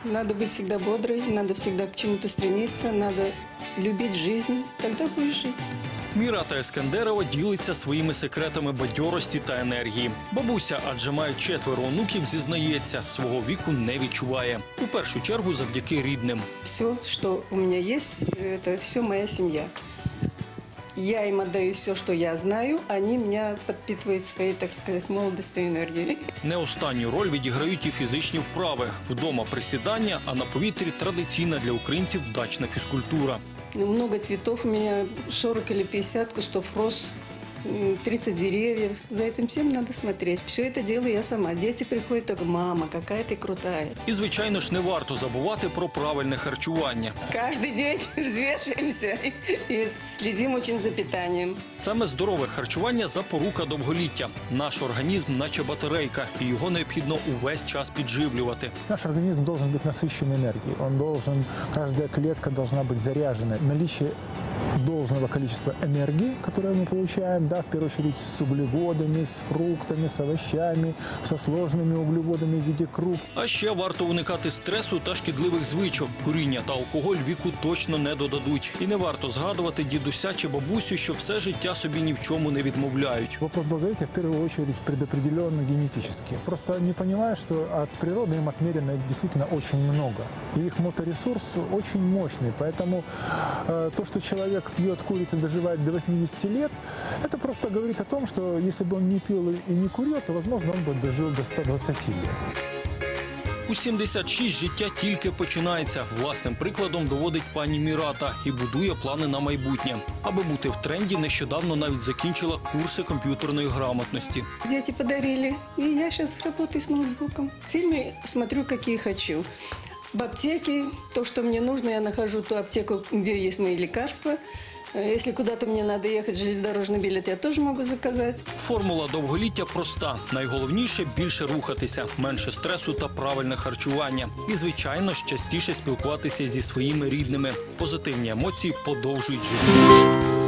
Надо быть всегда бодрой, надо всегда к чему-то стремиться, надо любить жизнь, тогда будешь жить. Мірата Ескендерова ділиться своїми секретами бадьорості та енергії. Бабуся, адже має 4 онуків, зізнається, свого віку не відчуває. У першу чергу завдяки рідним. Все, что у меня есть, это все моя семья. Я им отдаю все, что я знаю, они меня подпитывают своей, так сказать, молодостью и энергией. Не останню роль відіграють і фізичні вправи. Вдома присідання, а на повітрі традиційна для українців дачна фізкультура. Много цветов у меня, 40 или 50 кустов роз, 30 деревьев. За этим всем надо смотреть. Все это делаю я сама. Дети приходят только: мама, какая ты крутая. І, звичайно ж, не варто забувати про правильне харчування. Каждый день взвешиваемся и следим очень за питанием. Саме здорове харчування – запорука довголіття. Наш організм – наче батарейка, і його необхідно увесь час підживлювати. Наш организм должен быть насыщен энергией. Каждая клетка должна быть заряжена. Наличие должного количества энергии, которое мы получаем, в первую очередь с углеводами, с фруктами, с овощами, со сложными углеводами в виде круп. А ще варто уникати стресу та шкідливих звичок. Куріння та алкоголь віку точно не додадуть. І не варто згадувати дідуся чи бабусю, що все життя собі ні в чому не відмовляють. Вопрос долголетия в первую очередь предопределен генетически. Просто не понимают, что от природы им отмерено действительно очень много. И их моторесурс очень мощный. Поэтому то, что человек пьет, курит и доживает до 80 лет, это просто говорит о том, что если бы он не пил и не курил, то, возможно, он бы дожил до 120 лет. У 76 життя тільки починається. Власним прикладом доводить пані Мірата і будує плани на майбутнє. Аби бути в тренді, нещодавно навіть закінчила курси комп'ютерної грамотності. Дети подарили, и я сейчас работаю с ноутбуком. Фильмы смотрю, какие хочу. В аптеке то, что мне нужно, я нахожу ту аптеку, где есть мои лекарства. Если куда-то мне надо ехать, железнодорожный билет я тоже могу заказать. Формула довголіття проста. Найголовніше – більше рухатися, менше стресу та правильне харчування. І, звичайно, частіше спілкуватися зі своїми рідними. Позитивні емоції подовжують життя.